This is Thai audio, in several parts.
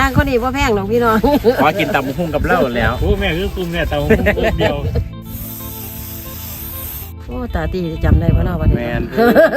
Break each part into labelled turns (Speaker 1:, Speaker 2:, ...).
Speaker 1: างคนนี้ว่าแพงหรอกพี่น้อง
Speaker 2: ขอกินตำหุ้งกับเหล้าแล้ว
Speaker 3: โอ้แม่คือกลุ่มเนี่ยตำหุ้งกลุ่มเดียว
Speaker 1: โอ้ตาตีจำได้ป่ะเนาะวันนี้
Speaker 2: แมน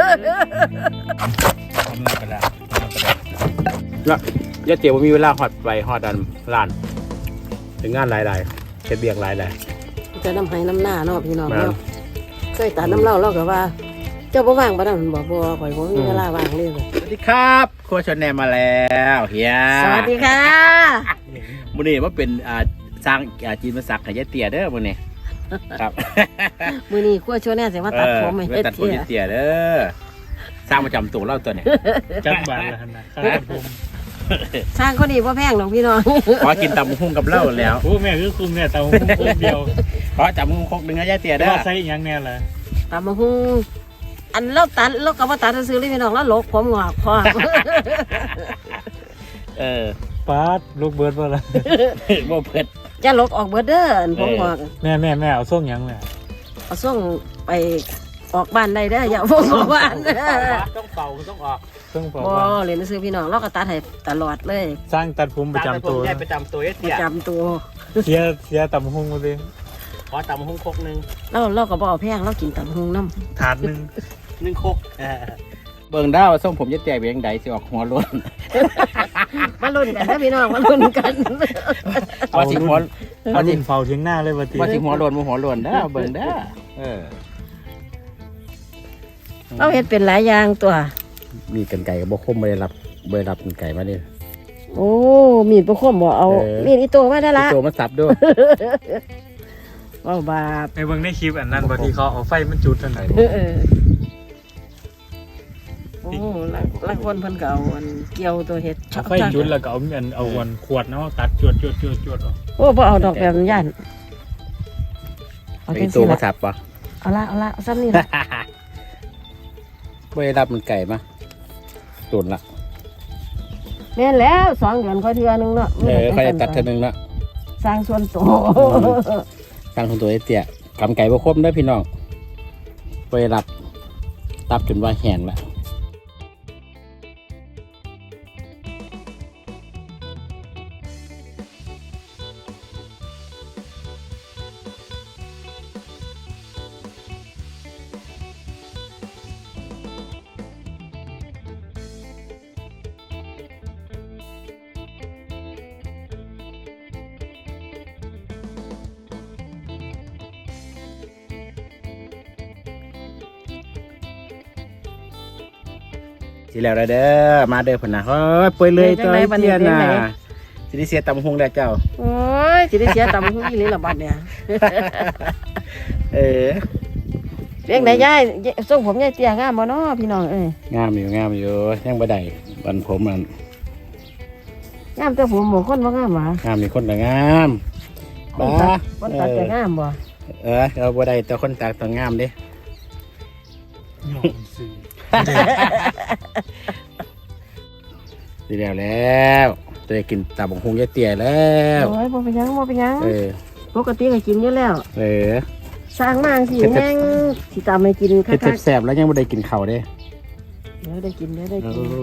Speaker 3: ทำหนักกระดาษ
Speaker 2: แล้วยาเตี๋ยวมีเวลาหอดไปหอดดันร้านถึงงานหลายๆเช็ดเบียงหลาย
Speaker 1: จะน้ำให้น้ำหน้าเนาะพี่น้องเนาะเคยตัดน้ำเล่าเราก็ว่าเจ้าบ่ว่างป่ะนั่นบอกบ่ข่อยบ่มีเวลาว่างเลย
Speaker 2: สวัสดีครับครัวชนแนมมาแล้วเฮีย
Speaker 1: สวัสดีค่ะ
Speaker 2: มื้อนี้ว่าเป็นสร้างจีนมาสักให้ยาเตี๋ยเด้อมื้อนี้ครับ
Speaker 1: มื้อนี้ครัวชวนแน่สิว่าตัดผมให้
Speaker 2: ตัดผมยาเตี๋ยเด้อสร้างประจำตัวเล่าตัวเนี่ย
Speaker 3: จักบาทละนะข้าวตัดผม
Speaker 1: สร้างคนนี้ว่าแพงหรอกพี่น้อง
Speaker 2: ขอกินตำหุ้งกับเหล้าแล้ว
Speaker 3: โอ้แม่คือกลุ่มเนี่ยตำหุ้งกลุ่มเดียว
Speaker 2: ขอจับหุ้งคกดึงให้ยาเตี๋ยเด้อ
Speaker 3: ใส่ยังแน่ล่ะ
Speaker 1: ตำมะฮุ่งอันเราตัดเราก็บ่ตัดซื้อเลยพี่น้องแล้วลกผมงอกพอ
Speaker 3: ปาดลูกเบิร์ดว่าล่ะ
Speaker 2: บ่เพิ่น
Speaker 1: จะลกออกเบิดเด้อผมงอก
Speaker 3: แม่เอาส่งยังแม่
Speaker 1: เอาส่งไปออกบ้านได้เด้ออย่าพวกออกบ้าน
Speaker 2: ต้องเป่าต้องออก
Speaker 1: บ่เรียนซื้อพี่น้องเราก็ตัดให้ตลอดเลย
Speaker 3: สร้างตัดผมประจำตัว
Speaker 2: ประจำตัว
Speaker 1: ประจำตัว
Speaker 3: เสียตำหุ้งมาเลย
Speaker 2: ขอตำหุ้งคกนึง
Speaker 1: เราก็บ่เอาแพงเรากินตำหุ้งน้
Speaker 3: ำถาด
Speaker 2: นึงคกเบิ่งดาวส่งผมจะแตกเบียงใดสิออกหัวล้น
Speaker 1: มาลุ้นกันนะพี่น้องมาลุ้นกัน
Speaker 2: ว่าสิหัว
Speaker 3: เอาดินเฝ้าเทียงหน้าเลย
Speaker 2: ว่าสิหัวล้นบ่หัวล้นเด้อเบิ่งเด้อ
Speaker 1: เราเฮ็ดเป็นหลายอย่างตัว
Speaker 2: มีกันไก่กับบ่คมบ่ได้รับกันไก่มานี่
Speaker 1: โอ้มีดบ่คมบ่เอามีดอีโตมาได้ละ
Speaker 2: อีโตมาสับด้วย
Speaker 1: ว้าวบาป
Speaker 3: ในเบิ่งในคลิปอันนั้นบ่ที่เขาเอาไฟมันจุดอันไหน
Speaker 1: โอ้ละคนเพิ่นก็เอาอันเกี่ยวตัวเฮ็ด
Speaker 3: ไฟจุดแล้วก็เอาวันขวดเนาะตัดจวดออก
Speaker 1: โอ้บ่เอาดอกแบบย่าน
Speaker 2: เอาอีโตมาสับป่ะ
Speaker 1: เอาละซ้ำนี่ล่ะ
Speaker 2: ไม่ได้รับมันไก่มาโดนละ
Speaker 1: แม่นแล้ว2 เดือนค่อยเทื่อนึงเนาะ
Speaker 2: ค่อยตัดเทื่อนึงละ
Speaker 1: สร้างส่วนตัว
Speaker 2: สร้างส่วนตัวไอ้เตี้ยกำไก่บ่คมได้พี่น้องไปรับตับจนว่าแห้งละสิแล้วเด้อมาเด้อพุ่นน่ะเฮ้ยป่วยเลยตัวเตี้ยน่ะสิได้เสียตำหงได้เจ้า
Speaker 1: โอ้ยสิได้เสียตำหงอีหลีล่ะบัดเนี่ยเรื่องไหนยายส่งผมยายเตี้ยงามบ่เนาะพี่น้อง
Speaker 2: งามอยู่ยังบ่ได้บันผมมัน
Speaker 1: งามแต่ผมบ่คนบ่งามหว่
Speaker 2: งามมีคนก็งาม
Speaker 1: บ่คนตัดจะงามบ่
Speaker 2: เราบ่ได้แต่คนตัดต้องงามเด้ดีแล้วจะได้กินตาบงคงยายเตี๋ยแล้ว
Speaker 1: โอ้ยบ่เป็นยังปกติก็กินอยู่แล้วสร้างมากสิแห้งสิตามให้กิน
Speaker 2: คักๆแซ่บแล้วยังไม่ได้กินข้าวเด้
Speaker 1: เดี๋ยวได้กินได้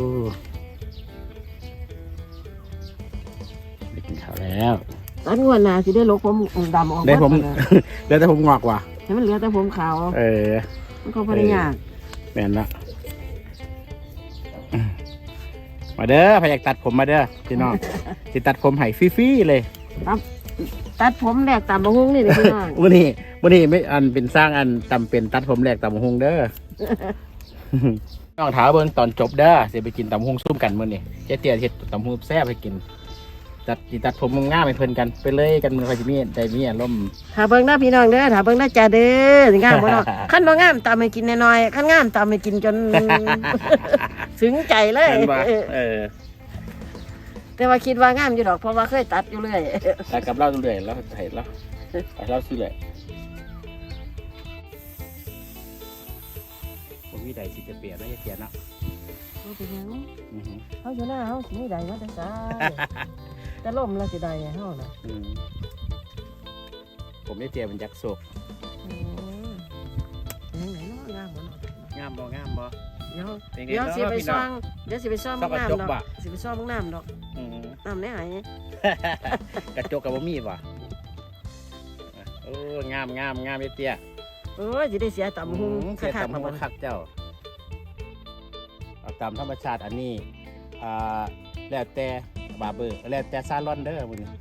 Speaker 2: กินข้าวแล้ว
Speaker 1: ตอนงวดหน้าสิได้ลกผมดำออก
Speaker 2: ได้ผมเหลือแต่ผมงอกว่ะ
Speaker 1: ให้มันเหลือแต่ผมขาวมันก็บ่ได้ยาก
Speaker 2: แม่นละมาเด้อพยากตัดผมมาเด้อพี่น้องสิตัดผมให้ฟรีๆเลย
Speaker 1: ตัดผมแหลกตามบะฮุงนี่เลยพี่น้อง
Speaker 2: วันนี้ไม่อันเป็นสร้างอันตำเป็นตัดผมแหลกตามบะฮุงเด้อน้องถามเบิ่งตอนจบเด้อสิไปกินตำบะฮุงซุ่มกันมื้อนี้เจ๊เตี้ยเฮ็ดตำบะฮุงแซ่บให้กินตัดผมง่ายๆไปเพิ่นกันไปเลยกันมันค่อยสิมีได้มีอารมณ์
Speaker 1: ถ้าเบิ่งหน้าพี่น้องเด้อถ้าเบิ่งหน้าจ่าเด้องามบ่เนาะคันบ่งามตามให้กินน้อยๆคันงามตามให้กินจนถึงใจเลยแต่ว่าคิดว่างามอยู่ดอกเพราะว่าเคยตัดอยู่เรื่อย
Speaker 2: ตัดกับเราเรื่อยแล้วเห็นแล้วเราซื้อเลยผมมีใดสิจะเปลี่ยนแล้วจะเปลี่ยนเนาะ
Speaker 1: เป็นยังเขาอยู่หน้าเขาสิใดมาแต่ซ้ายแต่ล่มแล้วสิใดเขาน่ะ
Speaker 2: ผมได้เตรียมเป็นยักษ์โศก
Speaker 1: ยังไงเนาะงามบ่
Speaker 2: งามบ่
Speaker 1: เดี๋ยวสิไปซ่องมึงน้ำดอกสิไปซ่องมึงน้ำดอกน้ำในไห
Speaker 2: กระจกกับบ่มีบ่โอ้งามเตี้ย
Speaker 1: โอ้ยสิได้เสียตำหุง
Speaker 2: เสีย
Speaker 1: คัก
Speaker 2: ตำ
Speaker 1: ๆ
Speaker 2: หุ
Speaker 1: มาง บ่
Speaker 2: คักเจ้าเอาตามธรรมชาติอันนี้แล้วแต่บาร์เบอร์แล้วแต่ซาลอนเด้อมื้อนี้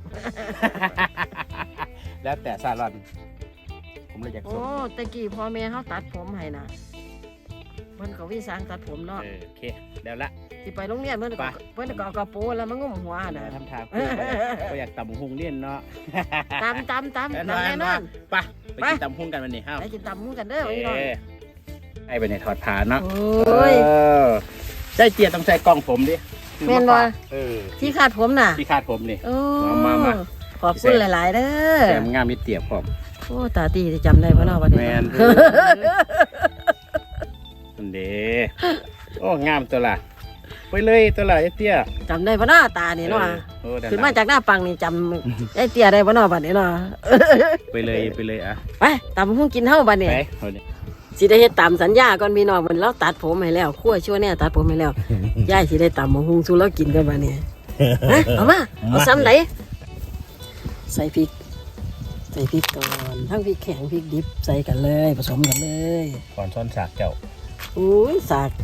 Speaker 2: แล้วแต่ซาลอนผมเลยอยาก
Speaker 1: โอ้
Speaker 2: ส่ง
Speaker 1: ตะกี้พ่อแม่เฮาตัดผมให้นะเพิ่นก็วิสางตัดผมเนาะ
Speaker 2: โอเคแล้วละ
Speaker 1: สิไปโรงเรียนเพิ่นก็
Speaker 2: ไป
Speaker 1: เอากระโปรงแล้วมันงุ้มหัวน่ะ
Speaker 2: ทำทางก็อยากตำหุงเลี่ยนเนาะ
Speaker 1: ตำแน่นอน
Speaker 2: ไปกินตำหุงกันวันนี้ห้าว
Speaker 1: ไปกินตำหุงกันเด้อไว้หน่อย
Speaker 2: ให้ไปในถอดผ้าเนาะ
Speaker 1: โอ้ย
Speaker 2: ใส่เจียต้องใส่กล้องผมดิ
Speaker 1: แม่นบ่ ที่คาดผมน่ะ
Speaker 2: ที่คาดผมนี่
Speaker 1: โอ้
Speaker 2: มา
Speaker 1: ขอบคุณหลายๆเด้อ
Speaker 2: แซมงามมีเตียบพร้อม
Speaker 1: โอ้ตาตีจะจำได้บ่เนาะบัดนี้
Speaker 2: แมนนั่นเด้โอ้งามตัวละไปเลยตัวละไอ้เตี้ย
Speaker 1: จำได้บ่เนาะตานี่เนาะ
Speaker 2: โอ้ด้
Speaker 1: ขึ้นมาจากหน้าปังนี่จำไอ้เตี้ยได้บ่เนาะบัดนี้เนาะ
Speaker 2: ไปเลยอ่ะ
Speaker 1: ไปตำหุงกินเฮาบัดนี้
Speaker 2: ไปเอาดิ
Speaker 1: สิได้เฮ็ดตามสัญญาก่อนพี่น้องมันเราตัดผมให้แล้วครั่วชั่วเนี่ยตัดผมให้แล้ว ยายสิได้ตำหุงสู่เรากินกันบัดนี้ฮะเอามาเอาซ้ำไหนใส่พริกก่อนทั้งพริกแข็งพริกดิบใส่กันเลยผสมกันเลย
Speaker 2: ก่อนซ้อนฉากเจ้า
Speaker 1: อุ้ยสาก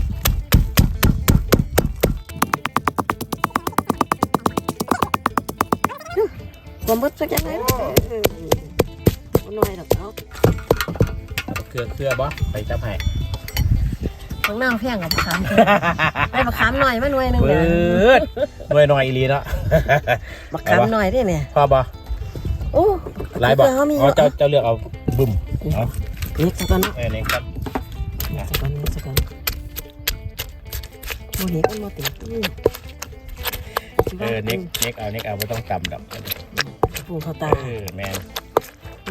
Speaker 1: ความมืดสักยังไงเอาหน่อยดอกเนาะ
Speaker 2: เครือบ่ไปจับให้
Speaker 1: ข้างหน้าเพียงกับมะขามไอ้มะขามหน่อยมาหน่วยหนึง
Speaker 2: เบิ
Speaker 1: เนี่ย
Speaker 2: ดหน่อยอีหลีเนาะ
Speaker 1: มะขามหน่อยเด้เนี่ย
Speaker 2: พอบ่
Speaker 1: โอ้
Speaker 2: หลายบ่
Speaker 1: เขามี
Speaker 2: อ๋อเจ้าเลือกเอาบึ้มเอา
Speaker 1: นี่สักก่อนเนาะ
Speaker 2: นี่ครับ
Speaker 1: สักก่อนโมเน็กมันมาติดตู้
Speaker 2: เน็กเอาไม่ต้องจำดอก
Speaker 1: ปูเขาตา
Speaker 2: แมน
Speaker 1: โอ้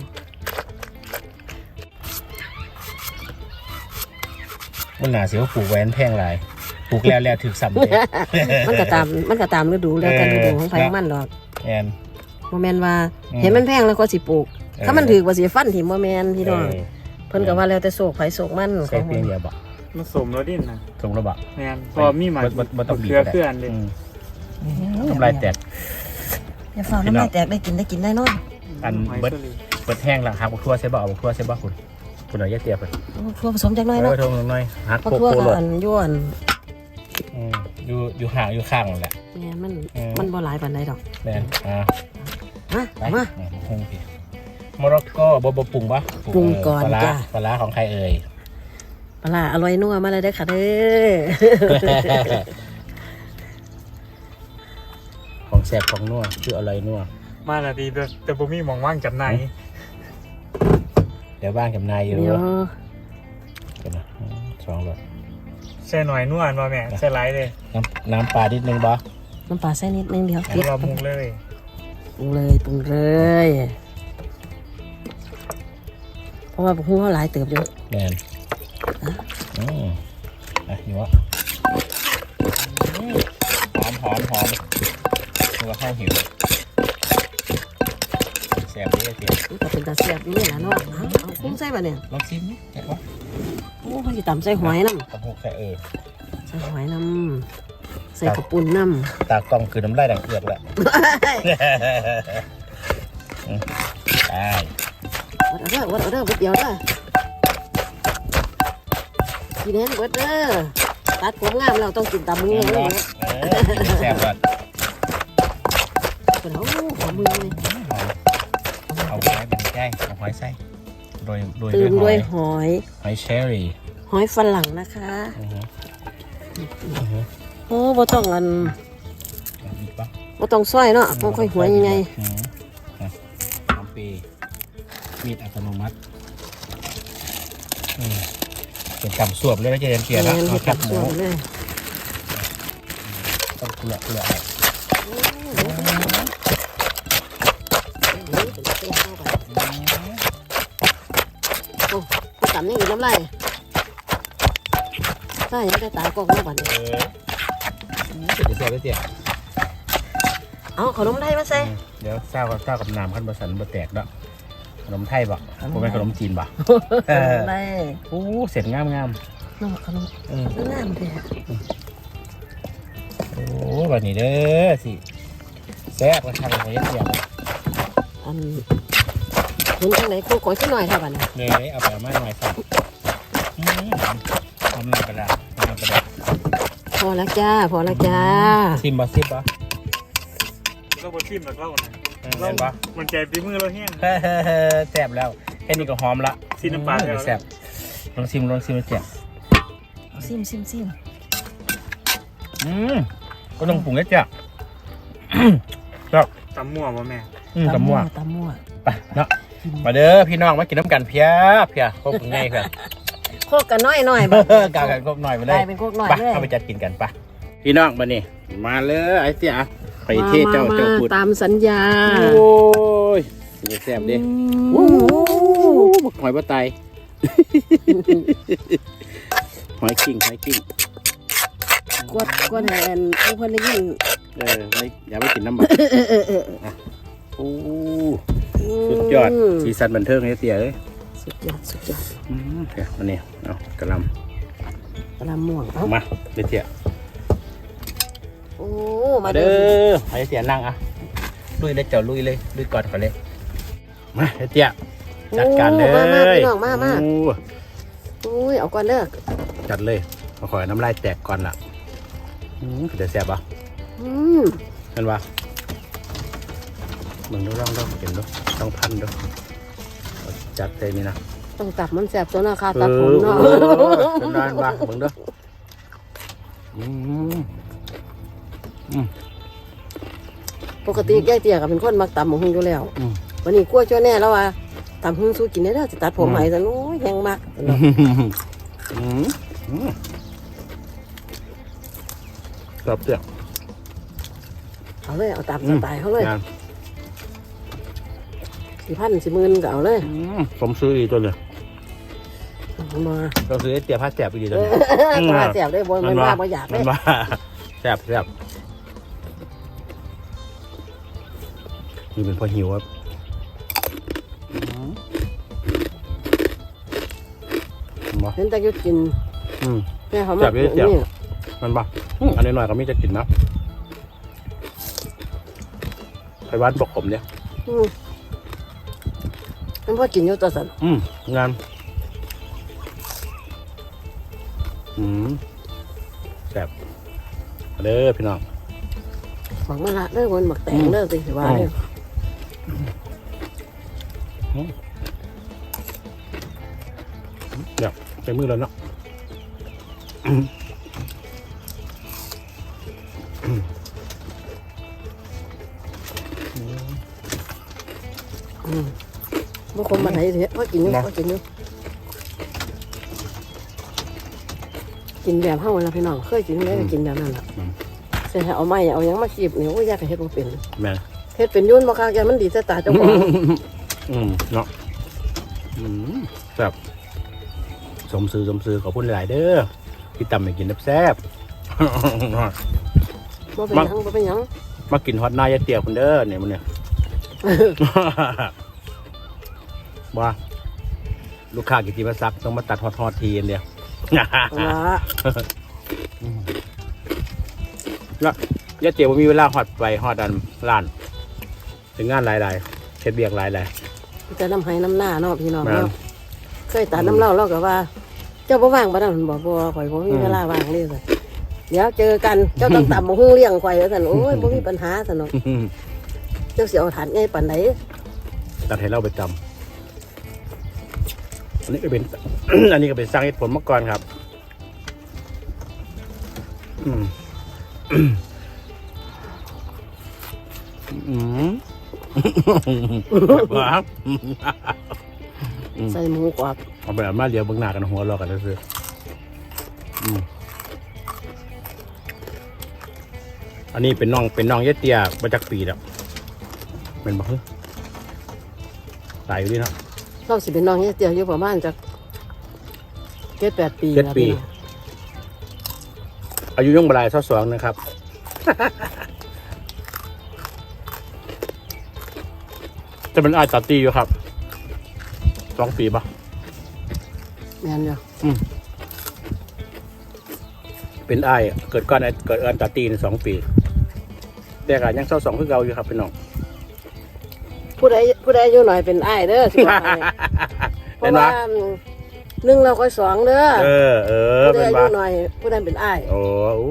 Speaker 2: มันหนาเสียวปลูกแหวนแพงหลายปลูกแล้วถึกซ้ำเลย
Speaker 1: มันก็ตามฤดูแล้วแต่ฤดูของไผของมันดอก
Speaker 2: แมน
Speaker 1: โมเมนว่าเห็นมันแพงแล้วก็สิปลูก ถ้ามันถือกว่าสิฟันถิ่มโมเมนพี่น้องเพิ่นก็ว่าแล้วแต่โศกไผโศกมันข
Speaker 2: ใส่
Speaker 1: อง
Speaker 2: เพียงเดียวบ่
Speaker 3: มันสมแล้วดิ้นนะ
Speaker 2: ตรงระบะ
Speaker 3: แม่นพอมีหมา
Speaker 2: บ่ต้องบีบ
Speaker 3: เครืออันเลย
Speaker 2: ทำลายแตก
Speaker 1: อย่าฟ้าน้ำลายแตกได้กินได้นอน
Speaker 2: อันเบิดแห้งหลังหักบักทั่วใช่บ่เอาบักทั่วใช่บ่คุณหน่อยแยกเตียบเพิ่น
Speaker 1: ทั่วผสมจักหน่อยเนาะ
Speaker 2: โทงหน่อยหัก
Speaker 1: เพราะ
Speaker 2: โป
Speaker 1: ทั่ว
Speaker 2: โป
Speaker 1: กับ
Speaker 2: โลด
Speaker 1: อันย้วน
Speaker 2: อยู่ห่างอยู่ข้างนั่นแหละ
Speaker 1: เนี่ยมันบ่หลายปานใดดอก
Speaker 2: แม่น
Speaker 1: มา
Speaker 2: ไป
Speaker 1: มา
Speaker 2: พุ่งพี่โมร็อกโกบ่ปรุงปะ
Speaker 1: ปรุงก่อน
Speaker 2: ปลา
Speaker 1: จ้ะ
Speaker 2: ปลาของใครเอ่ย
Speaker 1: ปลาอร่อยนัวมาเลยเด้อค่ะเด้อ
Speaker 2: ของแซ่บของนัวคืออะไรนัว
Speaker 3: มาละดีแต่บ่มีหมองว่างจำหน่าย
Speaker 2: เดี๋ยวบ้านกับนายอยู่
Speaker 1: เดี๋ยว
Speaker 2: กันนะ2 หลอด
Speaker 3: ใส่หน่อยนวลบ่แม่ใส่หลายเลย
Speaker 2: น้ำปลานิดนึงบ่
Speaker 1: น้ำปลาใส่นิดนึงเดียว
Speaker 3: อันนี้ว่ามุงเลย
Speaker 1: ปรุงเลยเพราะว่าพวกเขาหลายเติบอยู่
Speaker 2: แม่นอยู่วะหอมตัวข้าวหิวแซ่บดีเตีย
Speaker 1: มันก็เป็นตาเสียบอยู่นี่แหละเนาะเอาคุ้มใส่ป่ะเนี่ย
Speaker 2: ลองชิมเห็นปะ
Speaker 1: โอ้เขาจะตำใส่หอยน้
Speaker 2: ตะพุกใส่
Speaker 1: ำใส่หอยน้ำใส่กระปุ่นน้ำ
Speaker 2: ตากล้องคือน้ำลายดังเอือกแหละได้
Speaker 1: วัดเอาเด้อเดียวเด้อกินให้เบิดเด้อตัดผมงามเราต้องกินตำมือเลย
Speaker 2: แซ่บก่อน
Speaker 1: เป็นเขาขอมือเลย
Speaker 2: เอาหอยเป็นแก้เอาหอยใส่โดย
Speaker 1: ตื่นด้วยหอย
Speaker 2: หอยเชอรี่
Speaker 1: หอยฝรั่งนะคะโอ้บ่ต้องอัน
Speaker 2: อีกปะ
Speaker 1: บ่ต้องซอยเนาะบ่ค่อยหัวยังไง
Speaker 2: น้ำปีมีดอัตโนมัติเป็นกำสวบเลยไม่ใช่เปลี่ยนแล้วเอาแคบหมู
Speaker 1: เลย
Speaker 2: ต้องเกลือ
Speaker 1: โอ้กูจำนี่อยู่น้ำลายใช่ยังได้ตากล้องมาบัดนี้
Speaker 2: เสียบเสีย
Speaker 1: เอาขนมไทยมาใส่
Speaker 2: เดี๋ยวเศร้ากับน้ำขั้นบะสันบะแตกเนาะขนมไทยบ่ผมเป็นขนมจีนบ่
Speaker 1: ขนมไทย
Speaker 2: โอ้เสร็จงาม
Speaker 1: น้องขนมน้ำแท้
Speaker 2: โอ้แบบนี้เด้อสิแซ่บกระชังของยัดเยียบ
Speaker 1: อันเห็นจังไหนกูขอขึ้นหน่อยเท่ากันนะ
Speaker 2: เลยเอาไปมาหน่อยสักทำหนึ่งกระดาษทำหนึ่งกระดาษ
Speaker 1: พอแล้วจ้าพอแล้วจ้า
Speaker 2: ซิมบ่ซิมบ่
Speaker 3: เราบดซิมแบบเราเนี่ย
Speaker 2: เห็นบ่
Speaker 3: มันใจปีมือเราแห้ง
Speaker 2: แซ่บแล้วแค่นี้ก็หอมละ
Speaker 3: ซิมน้ำปลาแล้ว
Speaker 2: แซ่บลองซิมแซ่บ
Speaker 1: ซิม
Speaker 2: ก็ต้องปรุงนิดเดียวครับ
Speaker 3: ตำมั่วป่ะแม่
Speaker 2: ตำมั่ว
Speaker 1: ตำมั่ว
Speaker 2: ไปเนาะมาเด้อพี่น้องมากินน้ำกันเพียครบง่ายเพื่อน
Speaker 1: โคกกันน้อยๆบ้าง
Speaker 2: กากันครบหน่อยไป
Speaker 1: ก
Speaker 2: เล
Speaker 1: ลาย ยเป็นโคกน้อย
Speaker 2: ไป
Speaker 1: เลย
Speaker 2: เอาไปจัดกินกันไปพี่น้องมานี่มาเลยไอ้เสียไปเทศเจ้าพูด
Speaker 1: ตามสัญญา
Speaker 2: โอ้ยแซ่บดิหอยปลาไตหอยกิ้ง
Speaker 1: กวดแหนผู้คนได้ยิน
Speaker 2: ไม่อย่าไปกินน้ำมันโอ้สุดยอดสีสันบันเทิงไอ้เสียเลย
Speaker 1: สุดยอด
Speaker 2: เดี๋ยวมานี่เอากระล
Speaker 1: กระลำม่วงเอ้า
Speaker 2: ำมาเดี๋ยวเสีย
Speaker 1: โอ้มา
Speaker 2: เด้
Speaker 1: เด้อ
Speaker 2: อไอ้เสียนั่งอ่ะลุยเลยเจ้าลุยก่อนเลยมาไอ้เสียจัดการเลย
Speaker 1: มาพี่น้องมา
Speaker 2: โอ้
Speaker 1: อุ้ยเอาก่อนเด้อ
Speaker 2: จัดเลยขอน้ำลายแตกก่อนล่ะเดี๋ยวแซ่บป่ะ เห็นป่ะมึงดูลองเห็นดูต้องพันดูจัดเลยนี่นะ
Speaker 1: ต้องตับมันแสบตัวนะคะตัดผมเนาะ
Speaker 2: เป็นด้านป่ะมึงดู
Speaker 1: ปกติแก้เตี้ยกับเป็นคนมักตำหมูหุ่งอยู่แล้ววันนี้กลัวจ้าแน่แล้วว่าตำหุ่งสู้กินได้แล้วจะตัดผมใหม่ซะนู้ยแห้งมาก
Speaker 2: กรอบเสีย
Speaker 1: เอาเลยเอาตามสไตล์เขาเลย4,000 40,000ก็เอาเลย
Speaker 2: ผมซื้ออีกตัวเลย
Speaker 1: มา
Speaker 2: เราซื้อเตี๋ยผ้าแสบอีกตัวนึง
Speaker 1: ตัวแสบได้บ่มันว่าบ่อยาก
Speaker 2: มั
Speaker 1: ได้
Speaker 2: นว่าแสบนี่เป็นพอหิวครับ
Speaker 1: เห็นแต่ยุดกินแม่เขามานี่
Speaker 2: มันบ่อันนี้หน่อยก็ไม่จะกินนะไปวัดบอกผมเนี่ย
Speaker 1: มันพอกินอยู่ตัวสัน
Speaker 2: งานแซ่บเด้อพี่น้อง
Speaker 1: หมักมะระเด้อคนหมักแตงเด้อสิว่าเด้อ
Speaker 2: เดี๋ยวใช้มือแล้วเนาะ
Speaker 1: บางคนมาไหนเถอะพอกินอยู่กินแบบเฮาแล้วพี่น้องเคยกินได้กินแบบนั้นแหละแต่ถ้าเอาไม้เอายังมาขีบนี่โอ้ยยากเฮ็ดบ่เป็น
Speaker 2: แม่
Speaker 1: เฮ็ดเป็นยุ่นบ่คักแกมันดีแต่ตาเจ้าของ
Speaker 2: เนาะแซ่บสมซื้อขอบคุณหลายเด้อที่ตำให้กินแซ่บ
Speaker 1: บ่เป็นหยัง
Speaker 2: มากินฮอตนายเตี๋ยวคนเด้อเนี่ยมันเนี่ยว่าลูกค้ากินทีมาซักต้องมาตัดฮอตทีเดียวแล้วยาเตี๋ยวมีเวลาฮอตไปฮอตอันร้านถึงงานหลายเช็ดเบียกหลาย
Speaker 1: จะน้ำให้น้ำหน้าเนาะพี่น้องเนาะเคยตัดน้ำเล่าเราก็ว่าเจ้าบ่ว่างบ่ได้มันบอกบ่ข่อยบ่มีเวลาว่างเลยสิเดี๋ยวเจอกันเจ้าต้องตำบักหุ่งเลี้ยงข่อยว่าซั่นโอ้ยบ่มีปัญหาซั่นเนาะเจ้าสิเอาฐานใหญ่ปานใด
Speaker 2: ตัดให้เราไปจำอันนี้ก็เป็น อันนี้ก็เป็นสร้างเหตุผลมาก่อนครับครับ
Speaker 1: ใส่หมูกรอบ
Speaker 2: เอาไปเอามาเดี๋ยวเบิ่งหน้ากันหัวเราะกันแล้วซื้ออันนี้เป็นน้องเยเตียมาจากปีแล้วเป็นบ่ตายอยู่นี่เนาะ
Speaker 1: เราสิเป็นน้องเฮ็ดเตียวอยู่ประมาณจัก7-8 ปี
Speaker 2: 7 ปีอายุย่งบลาย22นะครับ จะเป็นอาจตัดตีอยู่ครับ2 ปีปะ
Speaker 1: แม่นอยู่
Speaker 2: เป็นอ้ายเกิดก่อนเกิดเอิ้นตาตีน2 ปีแต่ก็ยัง22คือเก่าอยู่ครับพี่น้อง
Speaker 1: ผู้ใดอายุหน่อยเป็นอ้ายเด้อสิบอกให้เพ
Speaker 2: เห็น
Speaker 1: ราะ
Speaker 2: ปะ
Speaker 1: ว่า1เราก็2เด้อ ผู้ใด
Speaker 2: เป็น
Speaker 1: อายุ
Speaker 2: ปะ
Speaker 1: หน่อยผู้นั้นเป็นอ้าย
Speaker 2: โอ้โห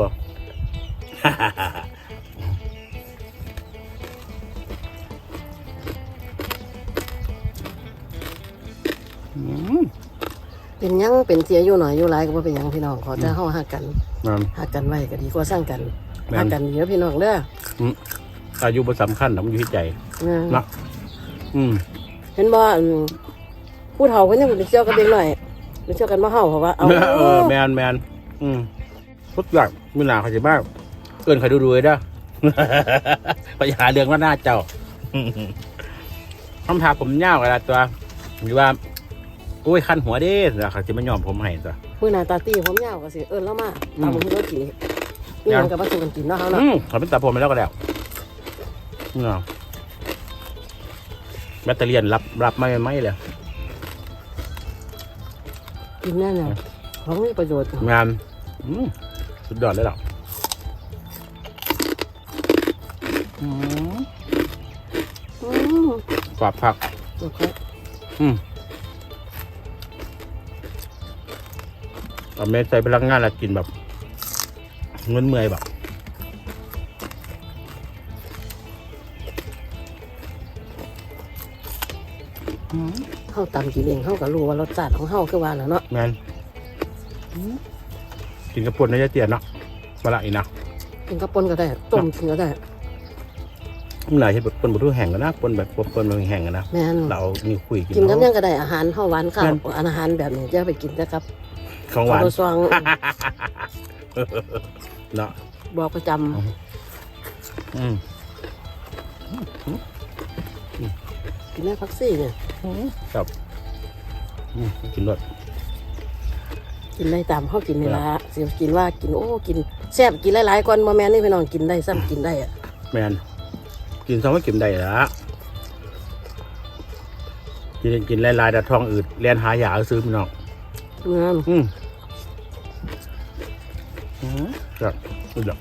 Speaker 2: อืม
Speaker 1: เป็นหยังเป็นเสียอายุหน่อยอายุหลายก็บ่เป็นหยังพี่น้องขอจะเฮาฮักกัน
Speaker 2: นั่น
Speaker 1: ฮักกันไว้ก็ดีกว่าสร้างกัน
Speaker 2: แม่น
Speaker 1: ฮักกันดีเด้อพี่น้องเด้อ
Speaker 2: อายุบ่สำคัญหรอกมันอยู่ที่ใจ
Speaker 1: นะ
Speaker 2: เนาะอืม
Speaker 1: เห็นบ่ผู้เฒ่าเพิ่นยังไปเที่ยวกับเด็กน้อยไปเที่ยวกันบ่เฮาเพราะว่าเอา
Speaker 2: แมนทุกอย่างมื้อหน้าเขาสิบ้างเอิ้นเขาดูๆเด้อ ไปหาเรื่องว่าหน้าเจ้า คำถามผมยาวกันละตัวหรือว่าโอ้ยคันหัวเด้แล้วเขาสิมายอมผมให้ตัว
Speaker 1: มื้อหน้าตาตี้ผมยาวก็สิเอิ้นเรามาตามมื้อเรากินนี่หยังก็บ่สู้กันกินเนาะเฮาเนาะ
Speaker 2: เขาเป็นตาผมไปแล้วก็แล้วเนาะแบตเตอรี่รับไม่เลย
Speaker 1: กินแน่น่ะของมีประโยชน์
Speaker 2: งานสุดยอดเลยหรออืมกรอบผัก
Speaker 1: โอเค
Speaker 2: เอาเมใส่พลังงานแล้วกินแบบเงินเมื่อยแบบ
Speaker 1: เฮาตำกินเองเฮาก็รู้ว่ารสชาติของเฮาคือว่าน่ะเนาะ
Speaker 2: แมนกินกระปุกในยายเตียนเนาะมาละอีกนะ
Speaker 1: กินกับป่นก็ได้ต้มกินก็ได้
Speaker 2: มันหลายที่แบบปนบุทุแห่งกันนะปนแบบปนแบบแห่งกันนะ
Speaker 1: แม่น
Speaker 2: เรานี่คุยกิน
Speaker 1: กินกับ
Speaker 2: เนาะ
Speaker 1: ยังก็ได้อาหารเฮาหวานข้าวอาหารแบบนี้จะไปกินแต่กับ
Speaker 2: ของหวาน
Speaker 1: ข้าวซอง
Speaker 2: เนาะ
Speaker 1: บอกประจำ กินแม่พักซี่เนี่ย
Speaker 2: ครับกินรส
Speaker 1: กินได้ตามเฮากินนี่ล่ะสิกินว่ากินโอ้กินแซ่บกินหลายๆก่อนบ่แม่นนี่พี่น้องกินได้ซ้ำกินได้อะ
Speaker 2: แมนกินสองไม่กินได้ละกินลายๆแต่ท้องอืดเรียนหายาซื้อพี่น้อง
Speaker 1: งาม
Speaker 2: ครับสุดยอด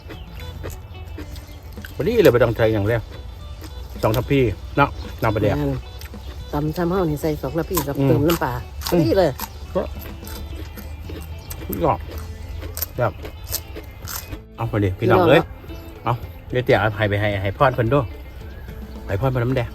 Speaker 2: วันนี้เลยไปต้องใจอย่างแรก2 ทัพพี่เนาะน้ำปลาแดก
Speaker 1: แม่นตำซ้ำเฮานี่ใส่2น้ำพี่กับเติมน้ำปลานี่เลย
Speaker 2: สุดยอดครับเอาไปดิพี่น้องเลยเอาเดี๋ยวเตี๋ยวให้ไปให้พ่อนเพิ่นด้วยให้พ่อนเพิ่นน้ำแดง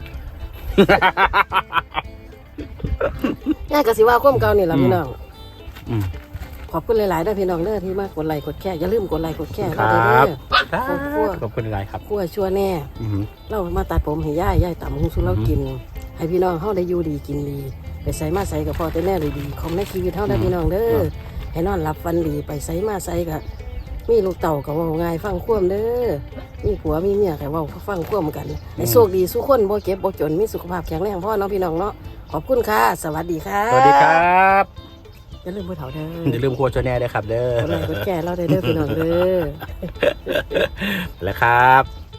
Speaker 1: ง่ายก็สิว่าความเก่านี่ล่ะพี่น้อง
Speaker 2: อืม
Speaker 1: ขอบคุณหลายๆเด้อพี่น้องเด้อที่มากดไลค์กดแชร์อย่าลืมกดไลค์กดแชร์
Speaker 2: ค
Speaker 1: เรา
Speaker 2: รั
Speaker 1: เด้
Speaker 2: บ
Speaker 1: อ
Speaker 2: ขอบคุณหลายครับ
Speaker 1: คั่วชั่วแน่
Speaker 2: อือหือ
Speaker 1: เรามาตัดผมให้ย่ายตำหุงสุเรากิน ให้พี่น้องเฮาได้อยู่ดีกินดีไปใส่มาใส่กับพ่อแต่แน่เลยดีของในชีวิตเฮาได้อพี่น้องเด้อให้นอนหลับฝันดีไปใส่มาใส่กับมีลูกเต่ากับว่าง่ายฟังคว่ำเด้อมีผัวมีเมียกับว่าฟังคว่ำกันให้โชคดีสู้คนบ่เก็บบ่จนมีสุขภาพแข็งแรงพ่อเนาะพี่น้องเนาะขอบคุณค่ะสวัสดีค่ะ
Speaker 2: สวัสดีครับ
Speaker 1: อย่าลืมผู้เฒ่าเด้อ
Speaker 2: อย่าลืมครัวชาแนลด้วยครับเด้อก
Speaker 1: ดไลค์กดแชร์เราได้เด้อพี่น้องเด้อ
Speaker 2: แล้วครับ